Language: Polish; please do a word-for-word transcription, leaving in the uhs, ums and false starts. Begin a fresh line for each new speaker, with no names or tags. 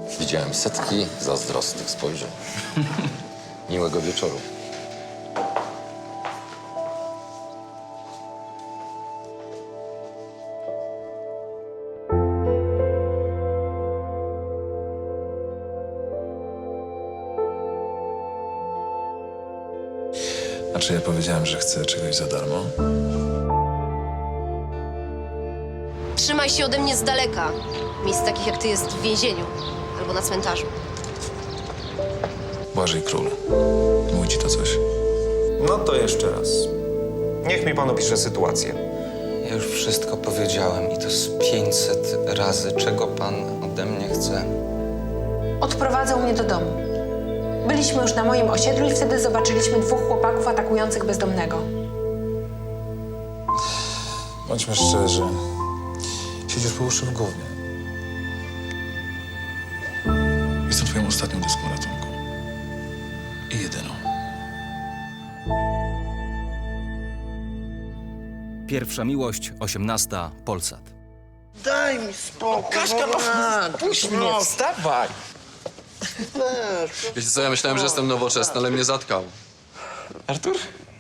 Widziałem setki zazdrosnych spojrzeń. Miłego wieczoru.
A czy ja powiedziałem, że chcę czegoś za darmo?
Trzymaj się ode mnie z daleka. Miejsc takich jak ty jest w więzieniu albo na cmentarzu.
Błażej Król. Mówi ci to coś?
No to jeszcze raz. Niech mi pan opisze sytuację.
Ja już wszystko powiedziałem i to z pięćset razy, czego pan ode mnie chce.
Odprowadzał mnie do domu. Byliśmy już na moim osiedlu i wtedy zobaczyliśmy dwóch chłopaków atakujących bezdomnego.
Bądźmy szczerzy. Siedzisz po uszy w gównie. Jestem twoją ostatnią deską ratunku. I jedyną.
Pierwsza miłość, osiemnasta, Polsat.
Daj mi spokój.
Kaśka, no, puść mnie, wstawaj.
Weź.
Wiecie co, ja myślałem, że jestem nowoczesny, ale mnie zatkał.
Artur?